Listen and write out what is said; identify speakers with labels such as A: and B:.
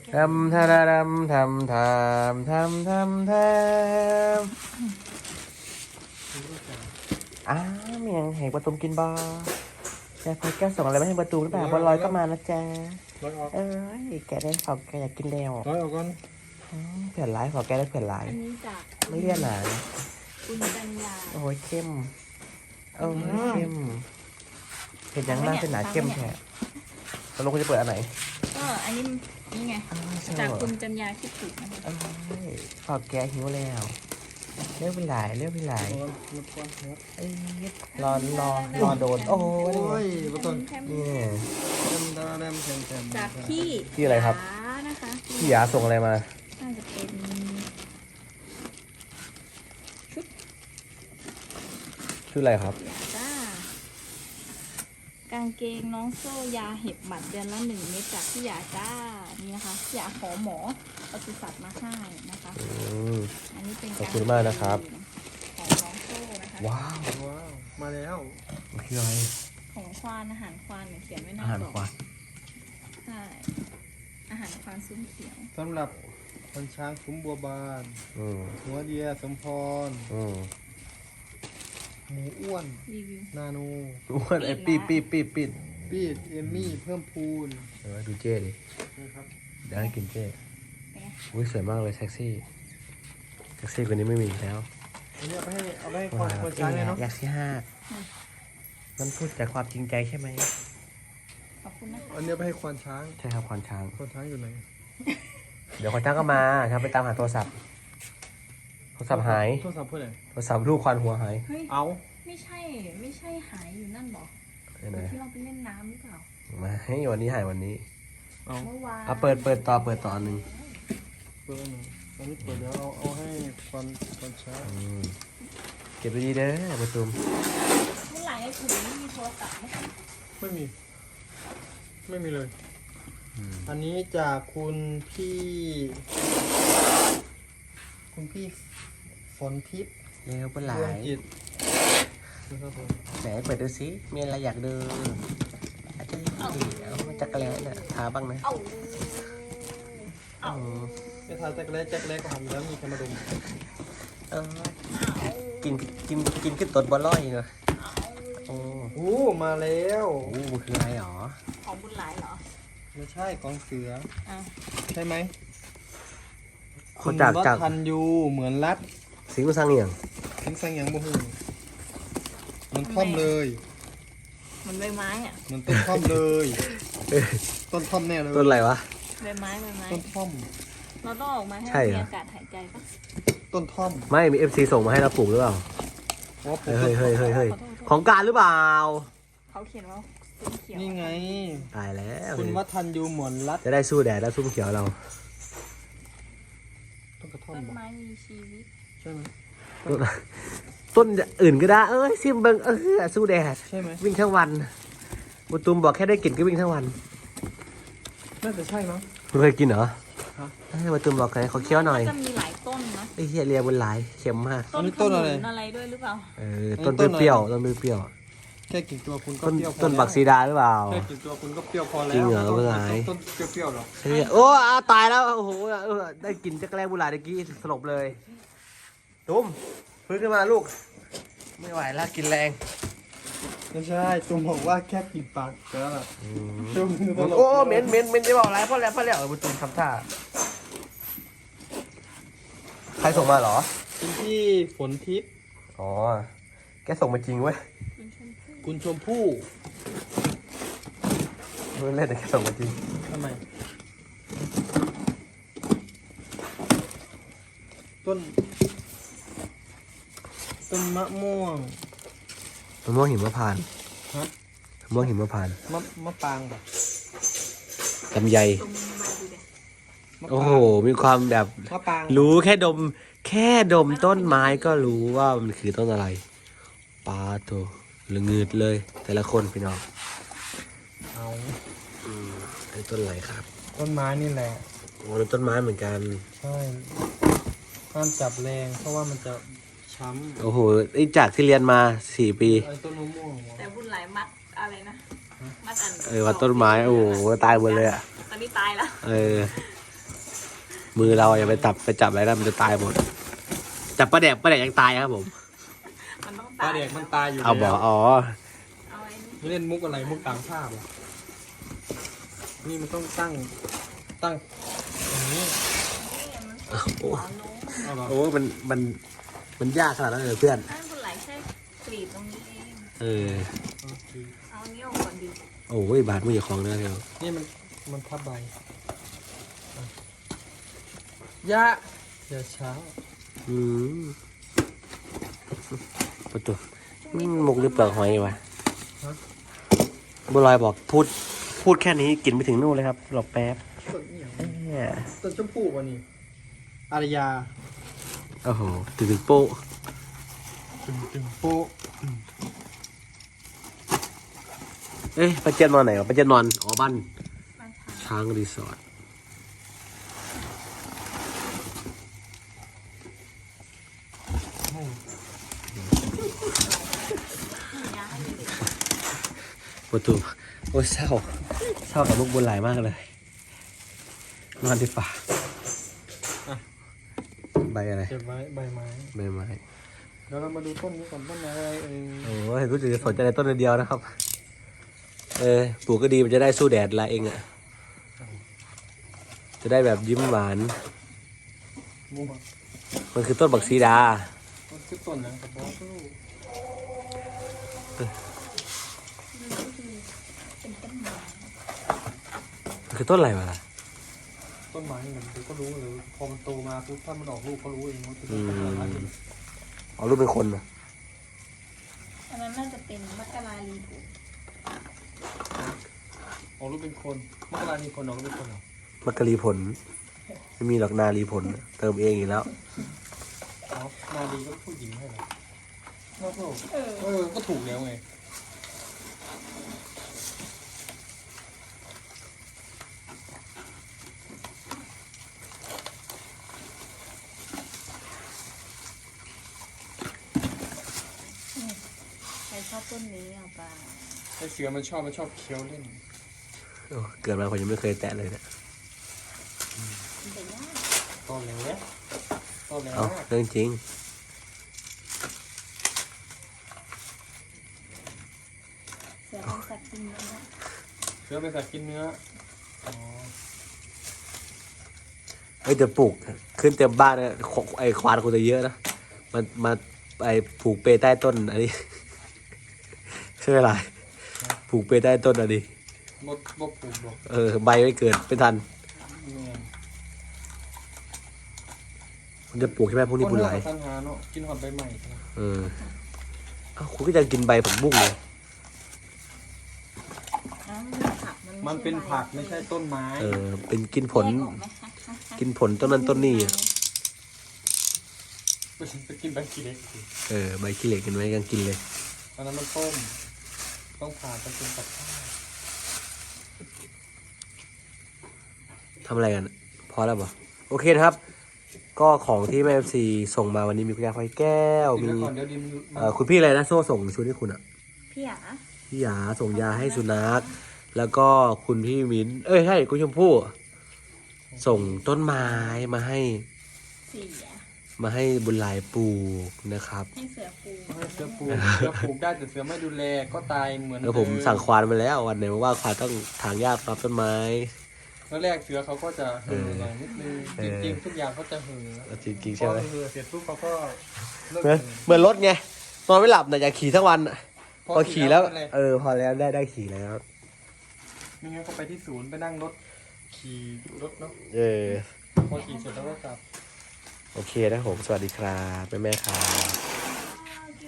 A: ทำทาดำทำเมียงแหกประตูกินบอแม่พอยแก้วส่งอะไรมาให้ประตูหรือเปล่าบอลลอยก็มานะจ๊ะเอ้ยแกได้ขอแกอยากกินแล้ว
B: ร้อยออกก่อน
A: เผื่อร้ายขอแกได้เผื่อร้าย
C: อันนี้จาก
A: ไม่เลี่ยนหนา
C: คุณกัญญา
A: โอ้ยเข้มเข้มเห็นยังหน้าเป็นหนาเข้มแท้ตกลงคุณจะเปิดอันไหน
C: ก็อันนี้นี่ไงจากคุณจัญญาคิดถูกนะคะ
A: ขอแกหิวแล้วเรียกเป็นหลายรอโดนโอ้ย
B: ประตู
A: นี่
C: จากพี่
A: พี่อะไรครับ
C: ยานะคะ
A: พี่ยาส่งอะไรมา
C: น่าจะเป็นชุด
A: ชื่ออะไรครับ
C: ยาจ้ากางเกงน้องโซ่ยาเห็บหมัดเดือนละ1 เม็ดจากพี่ยาจ้านี่นะคะพี่ยาขอหมอปศุสัตว์มาให้นะคะ อันนี้เป็น
A: ขอบคุณมากนะครับ
C: ของน้องโซ่นะคะ
A: ว้าว
B: มาแล้ว
A: คืออะไร
C: ของควานอาหารควานเนี่ยเขียนไว้หน้า
A: อาหาร
C: กล่อง
A: ควาย
C: ใช่อาหารควานซุ้มเขียว
B: สำหรับคนช้างคุ้มบัวบาน หัวเดียสมพรหมูอ้วน
C: รีวิว
B: นาโน
A: อ้วนไอ้ปีด
B: ปีดเอมมี่เพิ่มพูน
A: ดูเจ้ดิ
B: นะครับ
A: เดี๋ยวให้กินเจ้
C: เป็นไง
A: อุ้ยสวยมากเลยเซ็กซี่กว่านี้ไม่มีอีกแล้ว
B: อันนี้เอาไปให้คนช้างเลยเนาะ
A: อยากที่ห้ามันพูดจากความจริงใจใช่ไหม
C: ขอบคุณนะคะ
B: อันนี้ไปให้ควานช้าง
A: ใช่ครับควานช้าง
B: ควานช้างอยู่ไหน
A: เดี๋ยวควานช้างก็มาครับไปตามหาโทรศัพท์หาย
B: โทรศัพท์เพื่อนไหน
A: โทรศัพท์ลูกควานหัวหาย
C: เฮ้ย
B: เอา
C: ไม่ใช่หายอยู่นั่นหรอ
A: ไหน
C: ที่เราไปเล่นน้ำหรือเปล่า
A: มาให้วันนี้หายวันนี้
B: เอา
C: เมื่อวาน
A: เอาเปิดต่ออันหนึ่ง
B: เปิดหนึ่งตอนนี้เปิดเดี๋ยวเอาให้ควานช้าง
A: เก็บไปดีเด้อประตูม
C: เมื่อไหร่ไอ้ถุงนี่มีโทรศัพท์ไหม
B: ไม่มีเลย อันนี้จากคุณพี่ฝนทิพย์
A: เร็วเป็นหลา
B: ดวง
A: ย
B: จิตนะครับผม
A: ไหนเปิดดูสิมีอะไรอยากดูอาจจะเอาจักรแล้เนี่ยทาบ้างนะ
C: เอา
B: จะทานแจ็คเล็กก็ทำแล้วมีแคมาดม
A: เออกินขึ้นต้นบอลลอยเนอะโอ้
B: โอ้มาแล้ว
A: โหมันคืออะไรหรอ
C: ของบุญหลายเหรอ
B: ไม่ใช่กองเสือ
C: อ่ะ
B: ใช่ไหม
A: คนจาก
B: วัฒนยูเหมือนรัด
A: สิงห์สังเหียง
B: ทิ้งสังอย่างบ่หูมันท่อมเลย
C: มันใบไม้อ่ะ
B: มันต้นท่อมเลย ต้นท่อมแน่เลย
A: ต้นอะไรวะ
C: ใบไม้
B: ต้นท่อม
C: เราต้องออกมาให้
A: ใช่เหรอ
C: มีอากาศหายใจปะ
B: ต้นท่อม
A: ไม่มี FC ส่งมาให้เราปลูกหรือเปล่า
B: เพราะว่าปลูก
A: เฮ้ย
B: ต้นท่อม
A: ของการหรือเปล่า
C: เขาเขียนว่าซุ้มเขียว
B: นี่ไง
A: ตายแล้ว
B: คุณวัฒนยูเหมือนรัด
A: จะได้สู้แดดแล้วซุ้มเขียวเรา
B: ต้นกระท่อม
C: ต้น
B: บอก
C: ไม้มีชีวิต
B: ใช่ไหม
A: ต้นอื่นก็ได้ เอ้ยซิมเบิงสู้แดด
B: ใช่ไหม
A: วิ่งทั้งวันบุตุมบอกแค่ได้กลิ่นก็วิ่งทั้งวัน
B: น่าจะใช่มั้ง
A: คุณเคยกินเหรอ
B: ฮะ
A: บุตุมบอกให้เขาเคี้ยวหน่อย
C: จะมีหลายต้นนะ
A: ไอ้เฮียเรียบนหลายเค็มมาก
C: ต้นขนุนอะไรด้วยหรือเปล่า
A: ต้นเปรี้ยวต้นเปรี้ยว
B: แค่กลิ่นตัวคุณก็
A: ต้น
B: เปรี้ยวพอ
A: ต้น
B: แล้ว
A: บักซีดาหรือเปล่า
B: แค่กลิ่นตัวคุณก็เปรี้ยวพอแล้ว
A: จริงเหรอ
B: ต้น
A: เมื่อไหร่
B: ต้นเปรี้ยวๆหรอ
A: เฮ้ยโอ้ตายแล้วโอ้โหได้กลิ่นจักรแรกบุหรี่ตะกี้สลบเลยตุ้มฟื้นขึ้นมาลูก ไม่ไหวแล้วกินแรง
B: ไม่ใช่ตุ้มบอกว่าแค่กลิ่นปากก็แล้วล่ะตุ้มตลก
A: โอ้เหม็นจะบอกอะไรพ่อแล้วบุตุมทำท่าใครส่งมาเหรอ
B: คุณพี่ฝนทิพย์
A: อ๋อแกส่งมาจริงเว้ย
B: คุณชมพู่
A: ไม่เล่นแต่แกส่งมาจริง
B: ทำไมต้นมะม่วง
A: มะม่วงหิมพานต์
B: ฮะ
A: มะม่วงหิมพานต์
B: มะปางแบบ
A: ลำไย
C: ตรงมาดูเด็
A: โอ้โหมีความแบบ
B: มะปาง
A: รู้แค่ดมต้นไม้ก็รู้ว่ามันคือต้นอะไรปลาตัวหรือเงืดเลย แต่ละคนพี่น้อง
B: เอา
A: ไอ้ต้นอะไรครับ
B: ต้นไม้นี่แหละ
A: โอ้แล้วต้นไม้เหมือนกัน
B: ใช่ห้ามจับแรงเพราะว่ามันจะช้ำ
A: โอ้โหไอ้จากที่เรียนมา4 ปี
B: ไอ้ต้นมะม่วง
C: แต่บุญหลายมัดอะไรนะ มัดอัน
A: วัดต้นไม้โอ้โหตายหมดเลยอ่ะ
C: ตอนนี้ตายแล้ว
A: เออมือเราอย่าไปจับอะไรนะมันจะตายหมดจับปลาแดกยังตายครับผม
C: มันต้อง
B: ปลา
C: ตาย
B: เด็กมันตายอยู่
A: เอาบอก
B: แล้ว
A: อ๋อ
C: เอาไอ้นี่
B: ไม่เล่นมุกอะไรมุกต่างภาพอ่ะนี่มันต้องตั้งอย่างนี้
C: มันหัวลง
B: เอาเหรอ
A: โอ้มันยากขนาดนั้นเลยเพื่อน
C: ให้บุญไหลแค่กรีดตรงนี้เอง
A: เออ
B: โอเค
C: เอาอันนี้ออกก่อนดิ
A: โอ้ยบาดมืออย่าคลองเนื้อเดียว
B: นี่มันทับใบอ่ะยะอย่าช้า
A: อืมประตูมุกหรือเปลือกหอยวะบัวลอยบอกพูดแค่นี้กินไปถึงนู่นเลยครับหลบแป๊บ
B: ต้นเนี่ย
A: เนี่ย
B: ต้นชมพู่วะนี่อารยา
A: โอ้โหถึงโป๊ะ
B: ตึงโป๊ะ
A: เอ้ยป้าเจี๊ยบนอนไหนวะป้าเจี๊ยบนอนอ๋อบ้าน
C: มาทา
A: ช้างรีสอร์ทประตูโอ้ยเศร้ากับลูกบุญหลายมากเลยนอนดีฝ่าใบอะไร
B: เก็บไว้ใบไม้
A: ใบไม้
B: เดี๋ยวเรามาดูต้นนี้ก่อนต้นอะไร
A: โอ้ยรู้สึกจะสนใจในต้นเดียวนะครับปลูกก็ดีมันจะได้สู้แดดละเองอ่ะจะได้แบบยิ้มหวาน
B: มุก
A: มันคือต้นบักซีดา
B: ต้นคือต้นนะกระบอกลูก
C: เป็นต้นไม้
A: มันคือต้นอะไรวะล่ะ
B: ต้นไม้นี่มันก็รู้เลยพอมันโตมาปุ๊บถ้ามันออกลูกก็รู้เองว่าเป็น
A: อื
B: ต้น
A: ม
B: อะไร
A: เอารูปเป็นคนนะ
C: อันนั้นน่าจะเป็นมักกะลาลีบุ
B: ออกลูกเป็นคนเมื่อเวลามีคนออกลูกเป็นคนเหรอ
A: มักกะลีผลไม่มีหรอกนาลีผลเติมเองอีกแล้ว
B: อ๋อนาดีก็ผู้หญิงให้เหรอก็ถูกแล้วไง
C: ใครชอบต้นนี้เอาไป
B: ไอเสือมันชอบเคี้ยวเล่น
A: โอ้เกิดมาผมยังไม่เคยแตะเลยเนะ
C: มันจะยาก
B: ตอนแล้วตอนแล้ว
A: เอาเรื่องจริง
C: เสือเป็นสัตว์กินเนื้อ
B: เสือเป็นสัตว์กินเนื้ออ๋อ
A: เอ้ยจะปลูกขึ้นเต็มบ้านเลยไอ้ควานคงจะเยอะนะมาไอ้ผูกเปใต้ต้นอันนี้ ใช่ไหมล่ะผูกเปใต้ต้นอันนี้
B: บดปลูกหรอก
A: ใบไม่เกิดไม่ทัน
B: เนี่ย
A: มันจะปลูกใช่ไหมพวกนี้บุญไหล
B: ปัญหาเนาะกินหอดใบใหม่
A: เออเอ้าคุณก็จะกินใบผักบุ้งเลย
C: อ้าวมันเป็นผัก
B: มันเป็นผักไม่ใช่ต้นไม้
A: เป็นกินผล
C: แยกออกไหมคะ
A: กินผลต้นนั้นต้นนี้อะ
B: ไปกินใบขี้เล็กสิ
A: ใบขี้เหล็กกินไว้ยังกินเลย
B: ตอนนั้นมันต้มต้องผ่าไปเป็นกับข้าว
A: ทำอะไรกันอะพอแล้วบ่โอเคนะครับ ก็ของที่แม่ซีส่งมาวันนี้มีคุณยาไฟแก้ว
B: กิน
A: มี
B: ไว้ก่อนเดี๋ยวดินมัน
A: คุณพี่อะไรนะโซ่ส่งชุดให้คุณอ่ะ
C: พี่หยา
A: พี่หยาส่งยาให้สุนัขแล้วก็คุณพี่มิ้นใช่คุณชมพู่ส่งต้นไม้มาให้
C: เสีย
A: บุญหลายปลูกนะครับ
C: ให้เสือปู
B: ให้เสือปลูกเสือปลูกได้แต่เสือไม่ดูแลก็ตายเหมือน
A: แล้วผมสั่งควานมาแล้ววันไหนว่าควานต้องถางหญ้าปรับต้นไม้
B: แล้วแรกเสือเขาก็จะเห่อหน่อยนิดนึงจริงๆทุกอย่างเขาจะเห่อ
A: จริงๆ
B: พ
A: ใช่
B: อ
A: ไหม
B: เห่อเสร็จปุ๊บเขาก็เลิก
A: เหมือนรถไงนอนไม่หลับนะอยากขี่ทั้งวันอะพอขี่แล้ว
B: นั่นหะ
A: พอแล้วได้ขี่แล้ว
B: ไม่งั้นก็ไปที่ศูนย์ไปนั่งรถขี่รถเนาะ
A: พ
B: พอขี่เสร็จแล้วก็กลับ
A: โอเคนะผมสวัสดีครับแม่ครับ